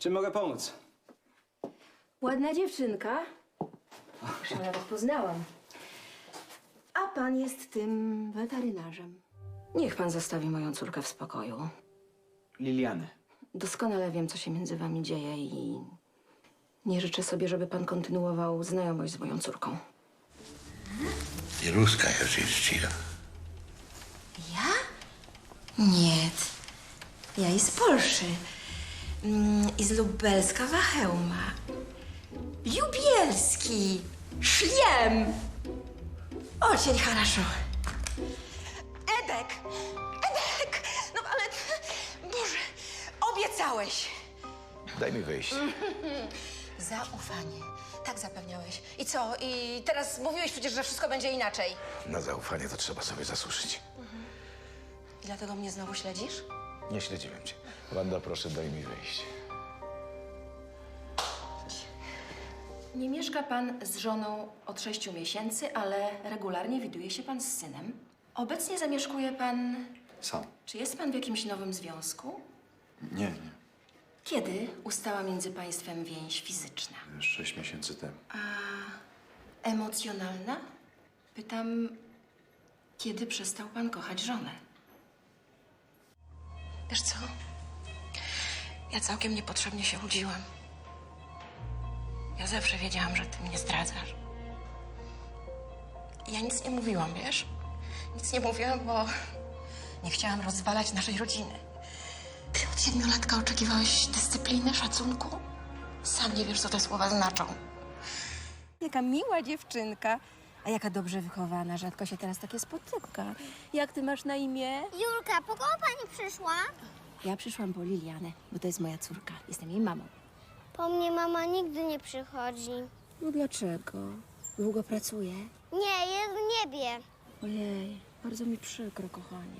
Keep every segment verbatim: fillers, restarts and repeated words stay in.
Czym mogę pomóc? Ładna dziewczynka. Już ją nawet poznałam. A pan jest tym weterynarzem. Niech pan zostawi moją córkę w spokoju. Liliany. Doskonale wiem, co się między wami dzieje i nie życzę sobie, żeby pan kontynuował znajomość z moją córką. Ty ruska Jarzynszczyka. Ja? Nie. Ja i z Polszy. Mm, I z Lubelska Wachełma. Lubielski. Szliem. Очень хорошо. Edek! Edek! No ale... Boże, obiecałeś. Daj mi wyjść. Zaufanie. Tak zapewniałeś. I co? I teraz mówiłeś przecież, że wszystko będzie inaczej. Na zaufanie to trzeba sobie zasłużyć. I dlatego mnie znowu śledzisz? Nie śledziłem cię. Wanda, proszę, daj mi wyjść. Nie mieszka pan z żoną od sześciu miesięcy, ale regularnie widuje się pan z synem. Obecnie zamieszkuje pan... Sam. Czy jest pan w jakimś nowym związku? Nie, nie. Kiedy ustała między państwem więź fizyczna? Sześć miesięcy temu. Emocjonalna? Pytam, kiedy przestał pan kochać żonę? Wiesz co? Ja całkiem niepotrzebnie się łudziłam. Ja zawsze wiedziałam, że ty mnie zdradzasz. I ja nic nie mówiłam, wiesz? Nic nie mówiłam, bo nie chciałam rozwalać naszej rodziny. Ty od siedmiolatka oczekiwałeś dyscypliny, szacunku? Sam nie wiesz, co te słowa znaczą. Jaka miła dziewczynka, a jaka dobrze wychowana. Rzadko się teraz takie spotyka. Jak ty masz na imię? Julka, po kogo pani przyszła? Ja przyszłam po Lilianę, bo to jest moja córka. Jestem jej mamą. Po mnie mama nigdy nie przychodzi. No dlaczego? Długo pracuje? Nie, jest w niebie. Ojej, bardzo mi przykro, kochanie.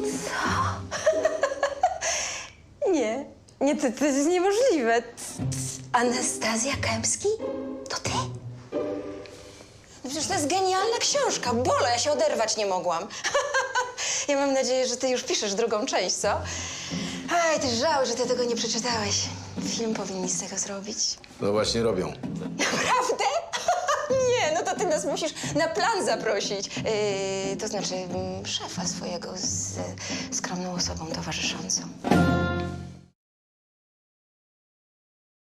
Nie, nie, to, to jest niemożliwe. Anastazja Kępski? To ty? No przecież to jest genialna książka. Bola, ja się oderwać nie mogłam. Ja mam nadzieję, że ty już piszesz drugą część, co? Aj, ty żał, że ty tego nie przeczytałeś. Film powinni z tego zrobić. No właśnie robią. Naprawdę? Nie, no to ty nas musisz na plan zaprosić. Yy, to znaczy mm, szefa swojego z skromną osobą towarzyszącą.